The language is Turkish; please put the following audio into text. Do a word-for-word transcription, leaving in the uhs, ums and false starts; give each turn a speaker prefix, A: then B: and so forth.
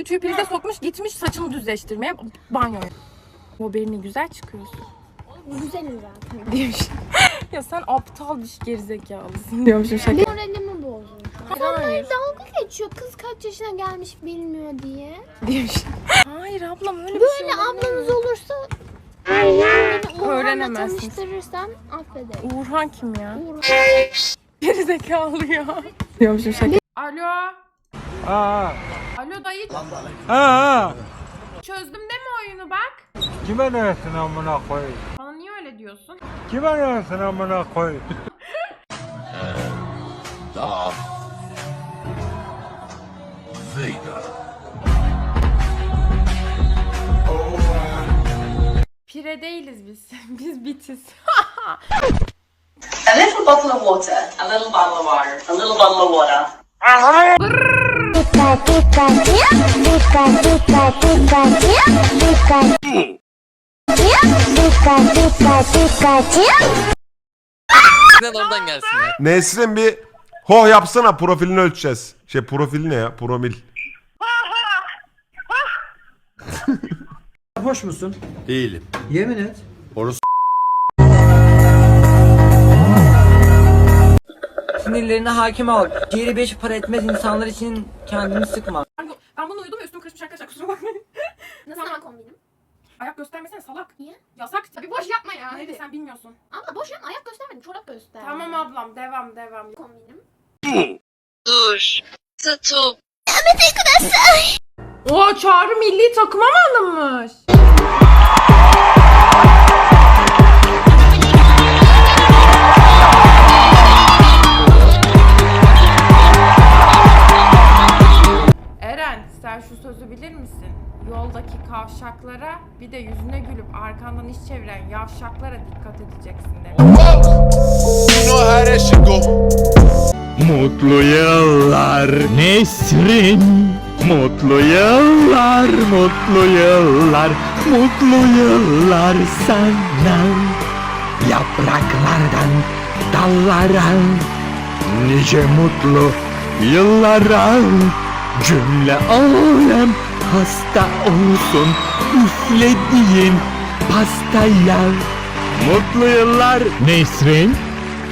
A: ütüyü prize sokmuş, gitmiş saçını düzleştirmeye banyoya. O beni güzel çıkıyorsun.
B: Güzelim zaten.
A: Diyormuş. Ya sen aptal bir gerizekalısın diyormuşum şaka.
B: Benim moralimi bozdun.
A: Hayır.
B: Hayır. Dalga geçiyor. Kız kaç yaşına gelmiş bilmiyor diye.
A: Diyormuş. Hayır ablam öyle bir
B: Böyle
A: şey olabilir mi?
B: ablanız olursa beni Uğur'la
A: Öğrenemezsiniz.
B: tanıştırırsan affederim.
A: Uğurhan kim ya?
B: Uğur.
A: Gerizekalı ya. Diyormuşum şaka. Alo.
C: Aa,
A: Alo dayı.
C: aa,
A: Çözdüm deme oyunu bak.
C: kime neresin amına koy?
A: Bana niye öyle diyorsun?
C: Kime neresin amına koy?
A: Pire değiliz biz. Biz bitiz.
D: A little bottle of water, a little bottle of water, a little bottle of water.
E: Oradan gelsin ya.
F: Nesrin bir hoh yapsana, profilini ölçeceğiz. Şey profili ne ya? Promil.
G: Hoş musun?
F: Değilim.
G: Yemin et.
F: Orası
G: Sinirlerine hakim ol. Ciğeri beş para etmez insanlar için kendini sıkma.
A: Ben bunu uyudum ve üstüm kaçmış arkadaşlar, kusura bakmayın.
B: Nasıl ama kombinim?
A: Ayak göstermesene salak.
B: Niye?
A: Yasak.
B: Bir boş yapma ya.
A: Neydi
B: Hadi.
A: sen bilmiyorsun.
B: Ama boş yapma, ayak göstermedim. Çorap göster.
A: Tamam ablam, devam devam.
B: Kombinim.
A: Oo, Çağrı milli takıma mı alınmış? Eren, sen şu sözü bilir misin? Yoldaki kavşaklara, bir de yüzüne gülüp arkandan iş çeviren yavşaklara dikkat edeceksin demiş.
H: Mutlu yıllar Nesrin, mutlu yıllar, mutlu yıllar, mutlu yıllar sana. Yapraklardan dallara, nice mutlu yıllara. Cümle alem hasta olsun üflediğin pastaya. Mutlu yıllar Nesrin.